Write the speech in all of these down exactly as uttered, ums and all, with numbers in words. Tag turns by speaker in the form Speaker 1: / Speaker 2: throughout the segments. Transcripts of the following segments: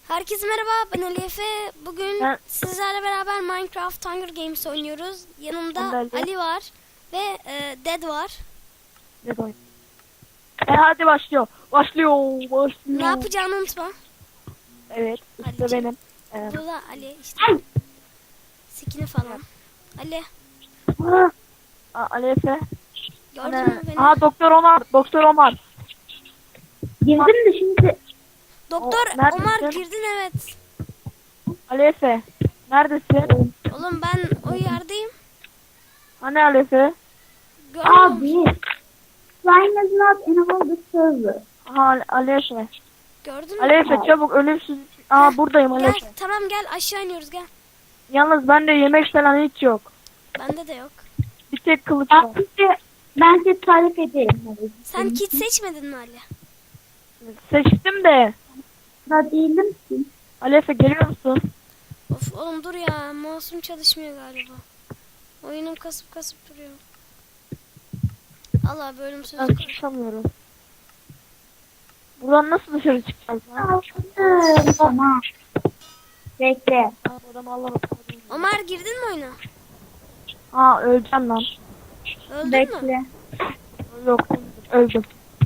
Speaker 1: Herkese merhaba, ben Ali Efe. Bugün
Speaker 2: Ben-
Speaker 1: sizlerle beraber Minecraft Hunger Games oynuyoruz. Yanımda
Speaker 2: Ben de Ali.
Speaker 1: Ali var ve e, Dead var.
Speaker 2: Ne doyum? E hadi başlıyor. Başlıyor. Başlıyor.
Speaker 1: Ne yapacağını unutma.
Speaker 2: Evet. İşte
Speaker 1: Ali'ciğim.
Speaker 2: benim. Evet.
Speaker 1: Bu da Ali işte. Skin'i falan. Ali,
Speaker 2: Ah! Aa, Ali Efe.
Speaker 1: gördün
Speaker 2: Ana-
Speaker 1: mü beni?
Speaker 2: Aha Doktor Omar. Doktor Omar.
Speaker 3: Girdim de şimdi
Speaker 1: Doktor
Speaker 2: O- neredesin?
Speaker 1: Omar girdin, evet.
Speaker 2: Ali Efe. Neredesin?
Speaker 1: Oğlum ben o yerdeyim.
Speaker 2: Hani Ali Efe?
Speaker 1: Görmüyor musun?
Speaker 3: abi Slime is not enable the server.
Speaker 2: Aha Ali Efe.
Speaker 1: Gördün mü?
Speaker 2: Ali Efe çabuk ölümsüz. Aa buradayım Ali
Speaker 1: Gel,
Speaker 2: Efe.
Speaker 1: tamam gel, aşağı iniyoruz, gel.
Speaker 2: Yalnız bende yemek falan hiç yok.
Speaker 1: Bende de yok.
Speaker 2: Bir tek kılıç var.
Speaker 3: Ben size, ben size tarif edeyim. Hadi.
Speaker 1: Sen kit seçmedin mi Ali?
Speaker 2: Seçtim de.
Speaker 3: Da değilim ki.
Speaker 2: Ali Efe geliyor musun?
Speaker 1: Of oğlum dur ya, mouse'um çalışmıyor galiba. Oyunum kasıp kasıp duruyor. Allah bölüm sözü
Speaker 2: Ben
Speaker 1: koy.
Speaker 2: çıkamıyorum. Buradan nasıl dışarı çıkacağız lan?
Speaker 3: Aldım. Tamam. Bekle.
Speaker 2: Aa, adam Allah Allah.
Speaker 1: Ömer girdin mi oyuna?
Speaker 2: Aa öleceğim lan.
Speaker 1: Öldün mü?
Speaker 3: Bekle.
Speaker 2: Yok öldüm.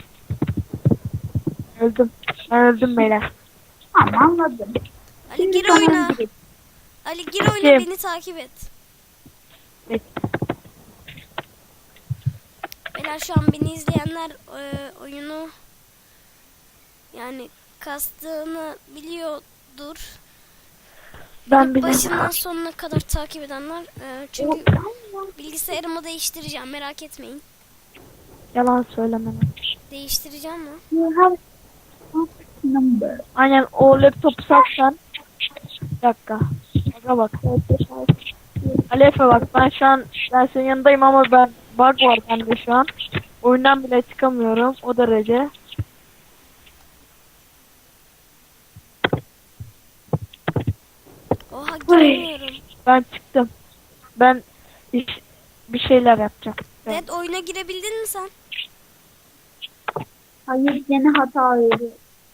Speaker 2: Öldüm. Ben öldüm beyler.
Speaker 3: Tamam anladım.
Speaker 1: Ali gir
Speaker 3: sana
Speaker 1: oyuna.
Speaker 3: gireyim.
Speaker 1: Ali gir oyuna,
Speaker 2: Kim?
Speaker 1: beni takip et.
Speaker 2: Peki.
Speaker 1: Beyler şu an beni izleyenler e, oyunu yani kastığını biliyordur.
Speaker 2: Ben bile.
Speaker 1: Başından sonuna kadar takip edenler e, çünkü bilgisayarımı değiştireceğim, merak etmeyin.
Speaker 2: Yalan söyleme.
Speaker 1: Değiştireceğim mi?
Speaker 3: You have number.
Speaker 2: Aynen o laptopu satsan. Bir dakika. Aga bak. Ali Efe bak ben şu an ben senin yanındayım ama ben bug var bende şu an. Oyundan bile çıkamıyorum o derece.
Speaker 1: Oha giremiyorum.
Speaker 2: Ben çıktım. Ben iş, bir şeyler yapacağım. Evet.
Speaker 1: Dead oyuna girebildin mi sen?
Speaker 3: Hayır gene hata veriyor.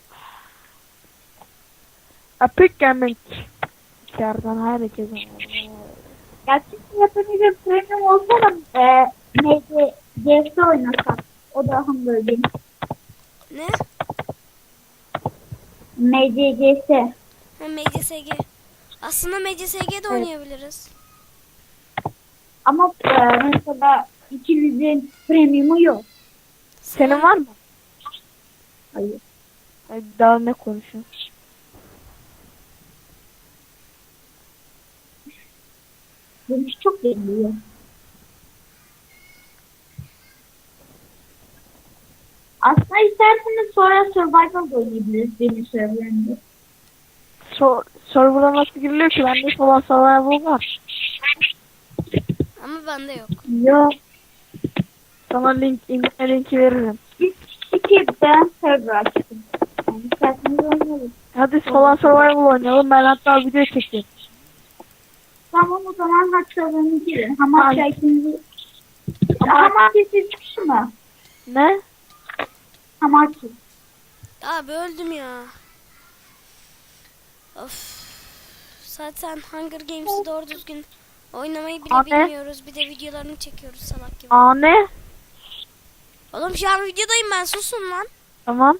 Speaker 2: Epic Gaming. İçeriden herkese.
Speaker 3: Gerçekten yapınca premium olsa da e, neydi? G S oynasak. O da Hunger Games.
Speaker 1: Ne?
Speaker 3: M C G S.
Speaker 1: Ha, M C S G. Aslında M C S G'de oynayabiliriz.
Speaker 3: Ama e, mesela ikimizin premiumu yok.
Speaker 2: Senin var mı?
Speaker 3: Hayır.
Speaker 2: Ay, daha ne konuşuyorsun?
Speaker 3: Dönüş çok geliyor. Aslında isterseniz sonra Survival da oynayabiliriz benim serverlerimde.
Speaker 2: So server'a nasıl giriliyor ki? Bende falan survival var.
Speaker 1: Ama bende yok.
Speaker 3: Yok.
Speaker 2: Sana link, indirme linki veririm.
Speaker 3: Biz iki ben server açtım. Yani isterseniz oynayalım.
Speaker 2: Hadi falan survival oynayalım. Ben hatta video çekeyim.
Speaker 3: Tamam o zaman haç serverine girin. Hamak
Speaker 2: Ay.
Speaker 3: ikinci. Hamak çıkışı mı?
Speaker 2: Ne?
Speaker 3: Hamak.
Speaker 1: Abi öldüm ya. Of. Zaten Hunger Games'i doğru düzgün oynamayı bile
Speaker 2: Abi.
Speaker 1: bilmiyoruz. Bir de videolarını çekiyoruz salak gibi.
Speaker 2: Aa ne?
Speaker 1: Oğlum şu an videodayım ben, susun lan.
Speaker 2: Tamam.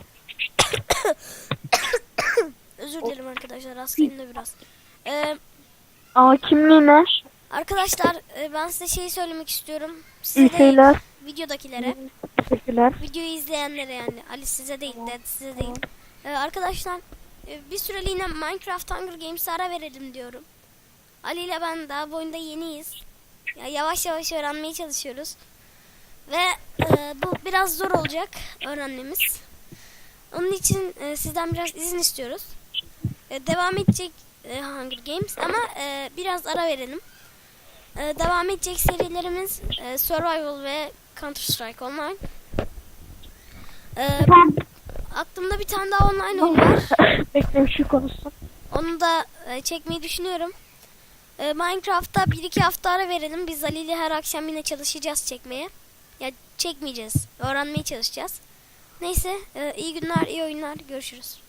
Speaker 1: Özür dilerim arkadaşlar, hastayım da biraz. Ee,
Speaker 2: Aa kimliği ne?
Speaker 1: arkadaşlar e, ben size şey söylemek istiyorum.
Speaker 2: İyi
Speaker 1: Size değil,
Speaker 2: şeyler.
Speaker 1: videodakilere.
Speaker 2: Teşekkürler.
Speaker 1: Videoyu izleyenlere yani. Ali size değil, Dead size değil. Ee, arkadaşlar e, bir süreliğine Minecraft Hunger Games'e ara verelim diyorum. Ali ile ben daha bu oyunda yeniyiz. Ya yavaş yavaş öğrenmeye çalışıyoruz. Ve e, bu biraz zor olacak öğrenmemiz. Onun için e, sizden biraz izin istiyoruz. E, devam edecek e, Hunger Games ama e, biraz ara verelim. E, devam edecek serilerimiz e, Survival ve Counter Strike Online. E, aklımda bir tane daha online oyun var.
Speaker 2: Bekle şu konuşsun.
Speaker 1: Onu da e, çekmeyi düşünüyorum. E, Minecraft'ta bir iki hafta ara verelim. Biz Ali ile her akşam yine çalışacağız çekmeye. Ya çekmeyeceğiz. Öğrenmeye çalışacağız. Neyse, e, iyi günler, iyi oyunlar. Görüşürüz.